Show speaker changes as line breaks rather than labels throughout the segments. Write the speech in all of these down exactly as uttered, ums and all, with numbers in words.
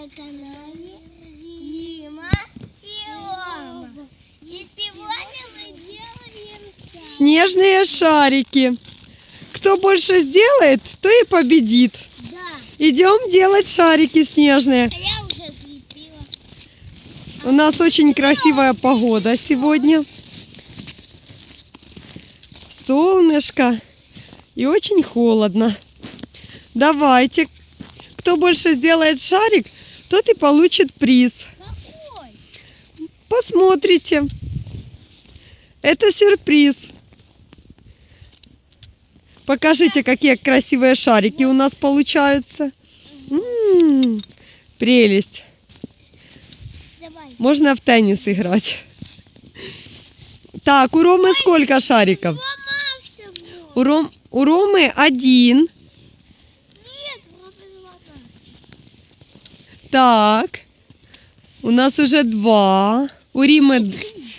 на канале Дима и Рома. И сегодня мы делаем
снежные шарики. Кто больше сделает, то и победит.
Да.
Идем делать шарики снежные.
А я уже слепила.
У нас очень красивая погода сегодня. Солнышко и очень холодно. Давайте, кто больше сделает шарик, тот и получит приз.
Какой?
Посмотрите. Это сюрприз. Покажите, какие красивые шарики у нас получаются. М-м-м, прелесть.
Давай.
Можно в теннис играть. Так, у Ромы сколько шариков?
Сломался вот.
У, Ром, у Ромы один.
Нет, вот сломался.
Так, у нас уже два. У Римы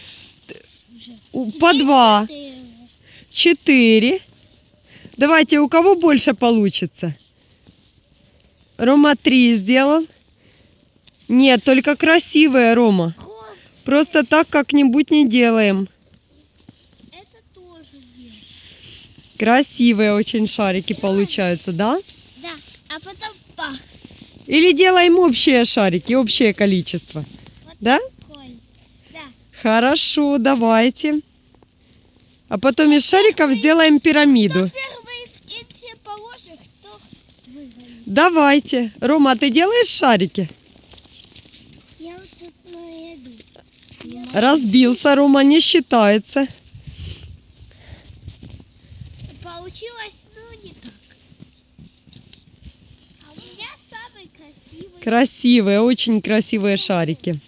у- по два.
Четыре.
Четыре. Давайте, у кого больше получится? Рома три сделал. Нет, только красивые, Рома.
Хоп,
Просто так как-нибудь не делаем.
это тоже дело.
Красивые очень шарики получаются, да?
Да, а потом пах.
Или делаем общие шарики, общее количество.
Вот
Да?
такой. Да.
Хорошо, давайте. А потом из шариков сделаем пирамиду.
Кто первый в кинте положит, кто выиграет.
Давайте. Рома, ты делаешь шарики?
Я вот тут найду.
Разбился, Рома, не считается.
Получилось, ну, не так. А у меня самый красивый.
Красивые, очень красивые шарики.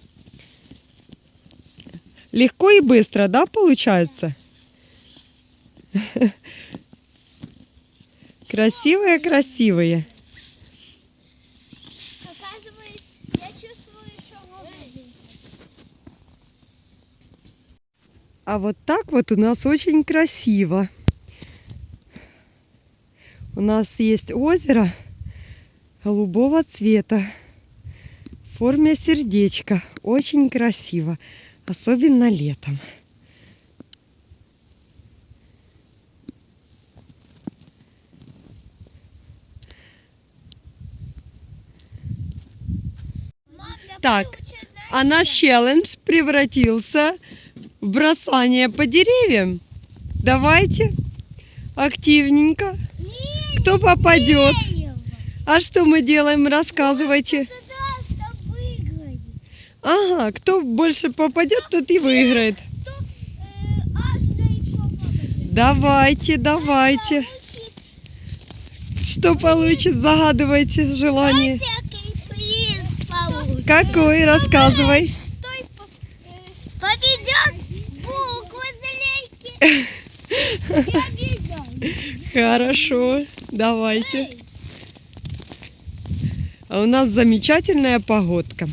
Легко и быстро, да, получается? Красивые, красивые.
Оказывается, я чувствую еще воду.
А вот так вот у нас очень красиво. У нас есть озеро голубого цвета в форме сердечка. Очень красиво, особенно летом.
Мам, я
Так,
получаю, знаешь,
а наш челлендж превратился в бросание по деревьям. Давайте активненько.
не
Кто попадет?
дерево.
А что мы делаем? Рассказывайте.
Кто туда, кто выиграет.
Ага, кто больше попадет, тот и выиграет.
Кто э, аж до попадет.
Давайте, давайте. Что получит? Загадывайте желание.
Всякий приз получит.
Какой? Рассказывай.
Кто по- э, победет буквы залейки. Я обязательно.
Хорошо, давайте. А у нас замечательная погодка.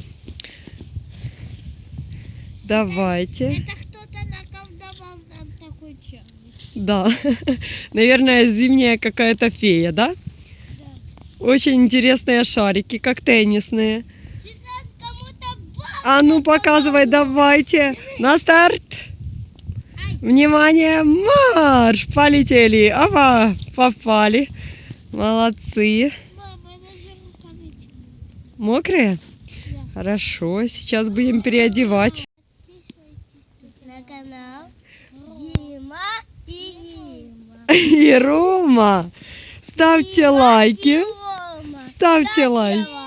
Давайте.
Это кто-то наколдовал нам такой челлендж.
Да, наверное, зимняя какая-то фея, да? Очень интересные шарики, как теннисные.
Сейчас кому-то баб.
А ну показывай, давайте. На старт. Внимание, марш! Полетели. Ава, попали. Молодцы.
Мама, она же руками.
Мокрые?
Да.
Хорошо, сейчас будем переодевать.
Подписывайтесь на канал Дима и Дима.
И Рома, ставьте лайки.
Рома.
Ставьте лайк.